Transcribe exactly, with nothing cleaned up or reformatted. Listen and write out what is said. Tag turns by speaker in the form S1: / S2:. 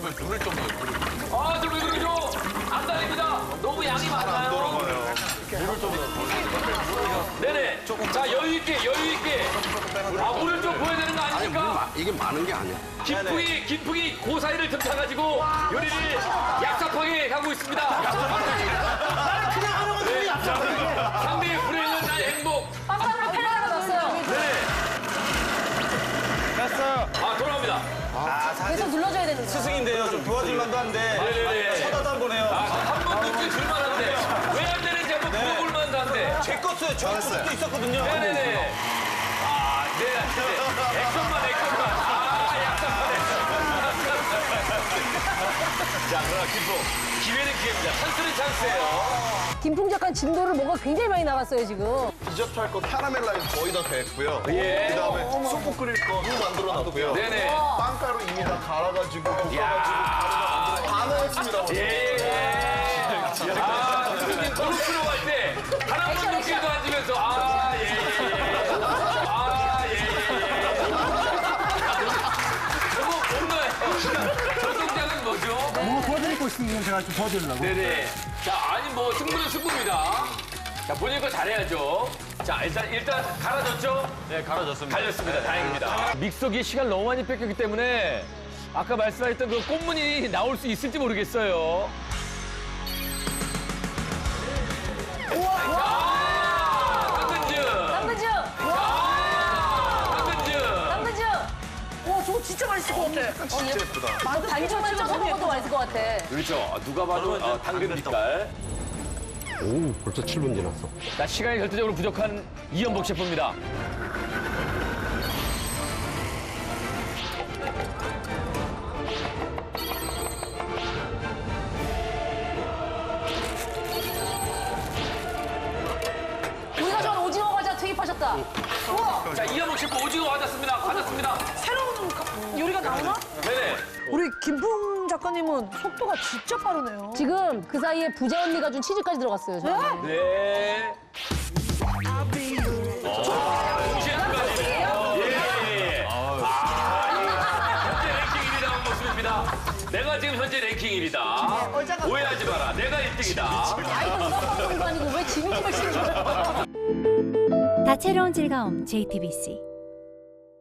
S1: 정말 물을 좀 넣어요, 물을.
S2: 아, 저 왜 그러죠? 안 달립니다. 너무 양이 많아요.
S1: 물을 좀 넣어.
S2: 네네. 자, 여유있게, 여유있게. 아, 물을 좀 보여야 되는 거
S3: 아니, 물
S2: 아닙니까?
S3: 마, 이게 많은 게 아니야.
S2: 김풍이, 김풍이 그 사이를 틈타가지고 요리를 얍삽하게 하고 있습니다.
S4: 나는 그냥 하는 건데 왜 얍삽해?
S2: 상대의 불행은 나의 행복.
S5: 빡빡으로 패러다가 넣었어요.
S2: 네네.
S6: 됐어요.
S2: 아, 돌아옵니다.
S5: 계속 눌러줘야 되는 거야.
S6: 스승인데요. 좀 도와줄 만도 한데.
S2: 네네네.
S6: 쳐다도 안 보네요.
S2: 아, 한 번 느낄 줄만한데. 왜 안 되는지 한번 물어볼 만한데.
S6: 제 것도 저 것도 있었거든요.
S2: 네네네. 아, 네, 네. 액션만, 액션만. 아, 약속하네. 자, 그러나 김풍. 기회는 기회입니다. 찬스는 찬스예요.
S5: 김풍 작가 진도를 뭔가 굉장히 많이 나갔어요, 지금.
S3: 디저트 할 거 카라멜 라인 거의 다 됐고요.
S2: 예.
S3: 그다음에 소금 끓일 거 무 만들어 놨고요.
S2: 네네.
S3: 빵가루 이미 다 갈아가지고 볶아가지고
S2: 야.
S3: 다 넣었습니다. 오늘.
S2: 예, 예. 아, 선생님 골프로 갈 때, 하나만 높게도 앉으면서, 아, 예, 예, 예. 아, 예, 예, 예. 저거 뭔가요? 저 동작은 뭐죠?
S4: 뭐 도와드릴 거 있으면 제가 좀 도와드리려고.
S2: 네네. 자, 아니, 뭐, 승부는 승부입니다. 자, 본인 거 잘해야죠. 자, 일단, 일단, 갈아줬죠?
S6: 네, 갈아졌습니다.
S2: 갈렸습니다. 다행입니다. 믹서기에 시간 너무 많이 뺏겼기 때문에 아까 말씀하셨던 그 꽃무늬 나올 수 있을지 모르겠어요. 아, 당근즙!
S5: 당근즙!
S2: 당근즙!
S5: 당근즙!
S4: 와, 저거 진짜 맛있을 것 같아.
S3: 진짜 예쁘다.
S5: 반죽만 찍어서 먹어도 맛있을 것 같아.
S2: 그렇죠. 누가 봐도 어, 당근 빛깔.
S3: 오, 벌써 칠 분 지났어.
S2: 자, 시간이 절대적으로 부족한 이연복 셰프입니다.
S5: 우리가 좋아하는 오징어 과자 투입하셨다. 우와!
S2: 자, 이연복 셰프 오징어 받았습니다. 받았습니다.
S4: 새로운 가- 요리가 나오나?
S2: 네네.
S4: 우리 김풍 작가님은 속도가 진짜 빠르네요.
S5: 지금 그 사이에 부자 언니가 준 치즈까지 들어갔어요. 저는.
S2: 네. 동시에까지. 예, 예. 아, 현재 랭킹 일 위 나온 모습입니다. 내가 지금 현재 랭킹 일 위다. 오해하지 마라. 내가 일 등이다.
S5: 아이도 누가 먹는 거 아니고 왜 지미 집을 치는 거야?
S7: 다채로운 즐거움 제이티비씨